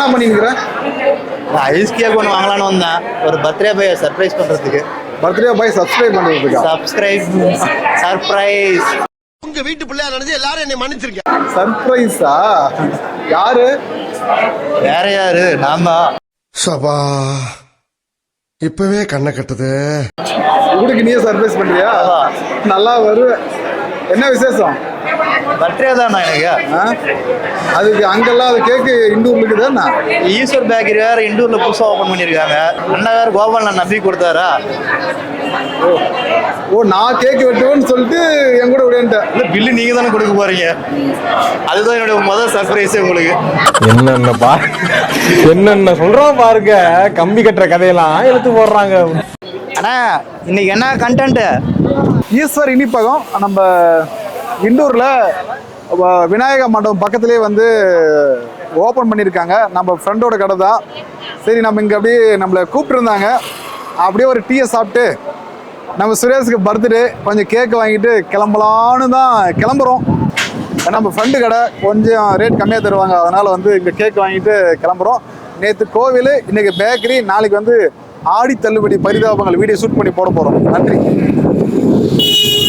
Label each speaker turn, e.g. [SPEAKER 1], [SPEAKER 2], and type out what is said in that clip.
[SPEAKER 1] என்ன பண்ணிருக்கிறேன்?
[SPEAKER 2] Ice cake ஒன்று வாங்கலான்னு வந்தேன், ஒரு பர்த்டே பாய் சர்ப்ரைஸ் பண்ணுறதுக்கு.
[SPEAKER 1] பர்த்டே பாய் சப்ஸ்கிரைப் பண்ணுறதுக்கா?
[SPEAKER 2] சர்ப்ரைஸ்.
[SPEAKER 3] உங்க வீட்டு பிள்ளையா நினைச்சு எல்லாரும் என்னை மன்னிச்சிருக்கேன்.
[SPEAKER 1] சர்ப்ரைஸா? யாரு?
[SPEAKER 2] வேற யாரு, நான் தான்.
[SPEAKER 3] சபா இப்பவே கண்ணை கட்டுது.
[SPEAKER 1] உங்களுக்கு நீயே சர்ப்ரைஸ் பண்றியா? நல்லா வருவேன். என்ன விசேஷம்?
[SPEAKER 2] பர்த்டே தானா எனக்கு.
[SPEAKER 1] அதுக்கு அங்கெல்லாம் அது கேக்கு இண்டூர்ல இருக்குதா?
[SPEAKER 2] ஈஸ்வர் பேக்கரி வேற இண்டூர்ல புதுசாக ஓப்பன் பண்ணியிருக்காங்க. அண்ணன் வேற கோபால் நான் நம்பி கொடுத்தாரா.
[SPEAKER 1] ஓ, நான் கேக் வெட்டுவேன்னு சொல்லிட்டு என் கூட விடையன்ட்டேன்.
[SPEAKER 2] இல்லை, பில்லு நீங்க தானே கொடுக்க போறீங்க. அதுதான் என்னுடைய முதல் சர்ப்ரைஸே உங்களுக்கு.
[SPEAKER 4] என்னென்ன சொல்றோம் பாருங்க, கம்பி கட்டுற கதையெல்லாம் எடுத்து போடுறாங்க.
[SPEAKER 2] அண்ணா, இன்னைக்கு என்ன கண்டென்ட்?
[SPEAKER 1] ஈஸ்வர் இனிப்பகம் நம்ம இண்டூரில் விநாயக மண்டபம் பக்கத்துலேயே வந்து ஓப்பன் பண்ணியிருக்காங்க. நம்ம ஃப்ரெண்டோட கடை தான். சரி, நம்ம இங்கே அப்படியே நம்மளை கூப்பிட்டுருந்தாங்க. அப்படியே ஒரு டீயை சாப்பிட்டு நம்ம சுரேஷுக்கு பர்த்டே கொஞ்சம் கேக்கு வாங்கிட்டு கிளம்பலான்னு தான் கிளம்புறோம். நம்ம ஃப்ரெண்டு கடை கொஞ்சம் ரேட் கம்மியாக தருவாங்க, அதனால் வந்து இங்கே கேக் வாங்கிட்டு கிளம்புறோம். நேற்று கோவில், இன்றைக்கி பேக்கரி, நாளைக்கு வந்து ஆடி தள்ளுபடி பரிதாபங்கள் வீடியோ ஷூட் பண்ணி போட போகிறோம். நன்றி.